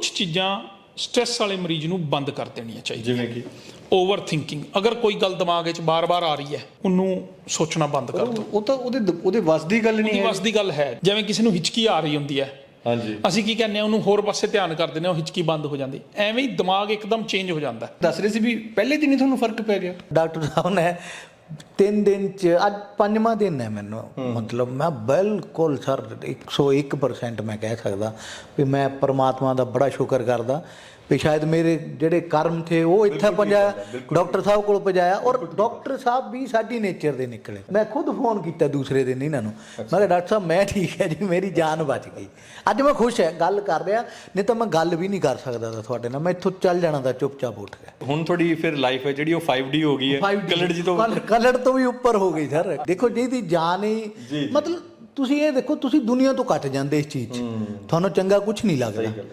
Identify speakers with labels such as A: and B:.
A: ਕੁਝ ਚੀਜ਼ਾਂ ਸਟ੍ਰੈਸ ਵਾਲੇ ਮਰੀਜ਼ ਨੂੰ ਬੰਦ ਕਰ ਦੇਣੀਆਂ ਚਾਹੀਦੀਆਂ।
B: ਜਿਵੇਂ ਕਿ
A: ਓਵਰ ਥਿੰਕਿੰਗ, ਅਗਰ ਕੋਈ ਗੱਲ ਦਿਮਾਗ ਵਿੱਚ ਬਾਰ-ਬਾਰ ਆ ਰਹੀ ਹੈ ਉਹਨੂੰ ਸੋਚਣਾ ਬੰਦ ਕਰ ਦਿਓ।
B: ਉਹ ਤਾਂ ਉਹਦੇ ਵੱਸ ਦੀ ਗੱਲ ਨਹੀਂ
A: ਉਹਦੀ
B: ਹੈ।
A: ਵੱਸ ਦੀ ਗੱਲ ਹੈ। ਜਿਵੇਂ ਕਿਸੇ ਨੂੰ ਹਿਚਕੀ ਆ ਰਹੀ ਹੁੰਦੀ ਹੈ,
B: ਹਾਂਜੀ,
A: ਅਸੀਂ ਕੀ ਕਹਿੰਦੇ ਹਾਂ, ਉਹਨੂੰ ਹੋਰ ਪਾਸੇ ਧਿਆਨ ਕਰ ਦਿੰਦੇ ਹਾਂ, ਉਹ ਹਿਚਕੀ ਬੰਦ ਹੋ ਜਾਂਦੀ। ਐਵੇਂ ਹੀ ਦਿਮਾਗ ਇੱਕਦਮ ਚੇਂਜ ਹੋ ਜਾਂਦਾ।
B: ਦੱਸ ਰਹੇ ਸੀ ਵੀ ਪਹਿਲੇ ਦਿਨ ਹੀ ਤੁਹਾਨੂੰ ਫਰਕ ਪੈ ਗਿਆ।
C: ਡਾਕਟਰ ਸਾਹਿਬ ਨੇ 3 ਦਿਨ ਚ, ਅੱਜ 5ਵਾਂ ਦਿਨ ਹੈ ਮੈਨੂੰ, ਮਤਲਬ ਮੈਂ ਬਿਲਕੁਲ ਸਰ 101% ਮੈਂ ਕਹਿ ਸਕਦਾ ਵੀ ਮੈਂ ਪਰਮਾਤਮਾ ਦਾ ਬੜਾ ਸ਼ੁਕਰ ਕਰਦਾ ਵੀ ਸ਼ਾਇਦ ਮੇਰੇ ਜਿਹੜੇ ਕਰਮ ਥੇ ਉਹ ਇੱਥੇ ਪਹੁੰਚਾਇਆ, ਡਾਕਟਰ ਸਾਹਿਬ ਕੋਲ ਪਹੁੰਚਾਇਆ। ਔਰ ਡਾਕਟਰ ਸਾਹਿਬ ਵੀ ਸਾਡੀ ਨੇਚਰ ਦੇ ਨਿਕਲੇ। ਮੈਂ ਖੁਦ ਫੋਨ ਕੀਤਾ ਦੂਸਰੇ ਦਿਨ ਇਹਨਾਂ ਨੂੰ, ਮੈਂ ਕਿਹਾ ਡਾਕਟਰ ਸਾਹਿਬ ਮੈਂ ਠੀਕ ਹੈ ਜੀ, ਮੇਰੀ ਜਾਨ ਬਚ ਗਈ। ਅੱਜ ਮੈਂ ਖੁਸ਼ ਹੈ, ਗੱਲ ਕਰ ਰਿਹਾ, ਨਹੀਂ ਤਾਂ ਮੈਂ ਗੱਲ ਵੀ ਨਹੀਂ ਕਰ ਸਕਦਾ ਤਾਂ ਤੁਹਾਡੇ ਨਾਲ, ਮੈਂ ਇੱਥੋਂ ਚੱਲ ਜਾਣਾ ਤਾਂ ਚੁੱਪਚਾਪ ਉੱਠ ਗਿਆ।
B: ਹੁਣ ਤੁਹਾਡੀ ਫਿਰ ਲਾਈਫ ਹੈ ਜਿਹੜੀ ਉਹ 5D ਹੋ ਗਈ ਹੈ, ਕਲੜ ਜੀ ਤੋਂ
C: ਕਲੜ ਤੋਂ ਵੀ ਉੱਪਰ ਹੋ ਗਈ ਸਰ। ਦੇਖੋ ਜਿਹਦੀ ਜਾਨ ਹੀ, ਮਤਲਬ ਤੁਸੀਂ ਇਹ ਦੇਖੋ, ਤੁਸੀਂ ਦੁਨੀਆ ਤੋਂ ਕੱਟ ਜਾਂਦੇ ਇਸ ਚੀਜ਼ 'ਚ, ਤੁਹਾਨੂੰ ਚੰਗਾ ਕੁਝ ਨਹੀਂ ਲੱਗਦਾ।